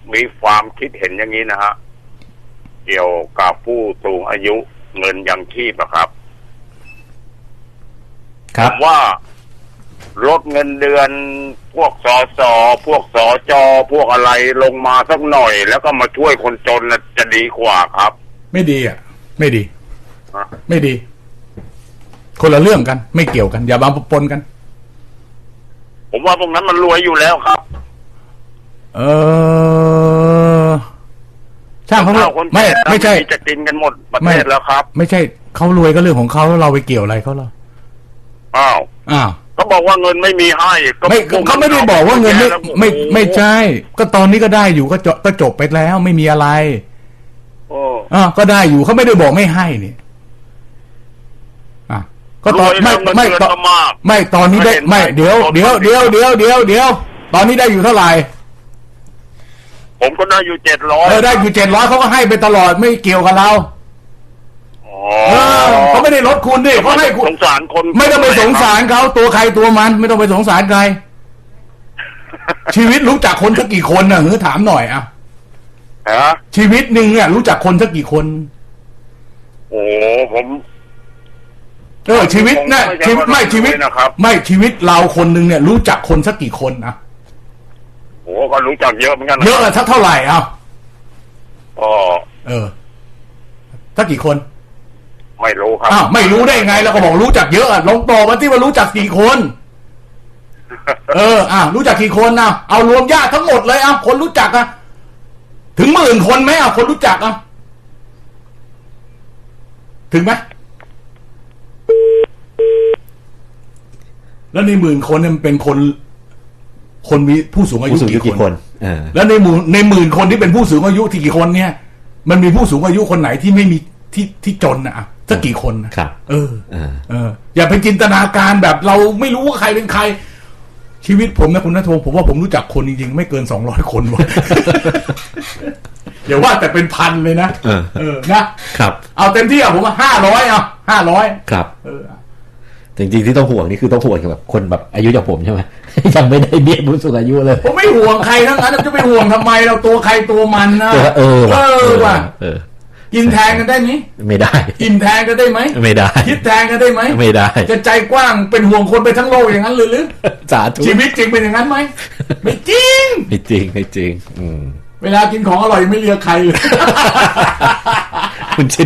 มีความคิดเห็นอย่างนี้นะฮะเกี่ยวกับผู้สูงอายุเงินยังชีพอะครับผมว่าลดเงินเดือนพวกสสพวกสจพวกอะไรลงมาสักหน่อยแล้วก็มาช่วยคนจนนะจะดีกว่าครับไม่ดีอ่ะไม่ดีไม่ดีคนละเรื่องกันไม่เกี่ยวกันอย่ามาปนกันผมว่าพวกนั้นมันรวยอยู่แล้วครับช่างเขาไม่ใช่จะกินกันหมดประเทศแล้วครับไม่ใช่เขารวยก็เรื่องของเขาแล้วเราไปเกี่ยวอะไรเขาหรออ้าวเขาบอกว่าเงินไม่มีให้เขาไม่ได้บอกว่าเงินไม่ใช่ก็ตอนนี้ก็ได้อยู่ก็จบไปแล้วไม่มีอะไรก็ได้อยู่เขาไม่ได้บอกไม่ให้นี่ก็ตอนไม่ตอนนี้ได้ไม่เดี๋ยวตอนนี้ได้อยู่เท่าไหร่ผมก็ได้อยู่700 ได้อยู่700เขาก็ให้ไปตลอดไม่เกี่ยวกับเราเขาไม่ได้ลดคุณดิเขาให้คุณสงสารคนไม่ต้องไปสงสารเขาตัวใครตัวมันไม่ต้องไปสงสารใครชีวิตรู้จักคนสักกี่คนน่ะถามหน่อยชีวิตหนึ่งเนี่ยรู้จักคนสักกี่คนโอ้ผมชีวิตนะชีวิตไม่ชีวิตไม่ชีวิตเราคนหนึ่งเนี่ยรู้จักคนสักกี่คนโอ้ก็รู้จักเยอะเหมือนกันเยอะสักเท่าไหร่สักกี่คนไม่รู้ครับไม่รู้ได้ไงแล้วก็บอกรู้จักเยอะลองตอบมาที่ว่ารู้จักกี่คนรู้จักกี่คนเอารวมญาติทั้งหมดเลยคนรู้จักถึง10,000 คนไหมคนรู้จักถึงไหมแล้วใน10,000 คนเนี่ยมันเป็นคนมีผู้สูงอายุกี่คนแล้วใน10,000 คนที่เป็นผู้สูงอายุที่กี่คนเนี่ยมันมีผู้สูงอายุคนไหนที่ไม่มีที่จนสักกี่คนครับอย่าไปจินตนาการแบบเราไม่รู้ว่าใครเป็นใครชีวิตผมนะคุณณัฐพงศ์ผมว่าผมรู้จักคนจริงๆไม่เกิน200 คนวะเดี๋ยวว่าแต่เป็นพันเลยนะนะครับเอาเต็มที่ผมว่า500 ครับจริงๆที่ต้องห่วงนี่คือต้องห่วงแบบคนแบบอายุอย่างผมใช่ไหมยังไม่ได้เบี้ยผู้สูงอายุเลยผมไม่ห่วงใครทั้งนั้นจะไปห่วงทำไมเราตัวใครตัวมันนะว่ะกินแทนกันได้ไหมไม่ได้กินแทนกันได้ไหมไม่ได้คิดแทนกันได้ไหมไม่ได้จะใจกว้างเป็นห่วงคนไปทั้งโลกอย่างนั้นหรือสาธุชีวิตจริงเป็นอย่างนั้นไหมไม่จริงไม่จริงเวลากินของอร่อยไม่เลือกใครเลยคุณ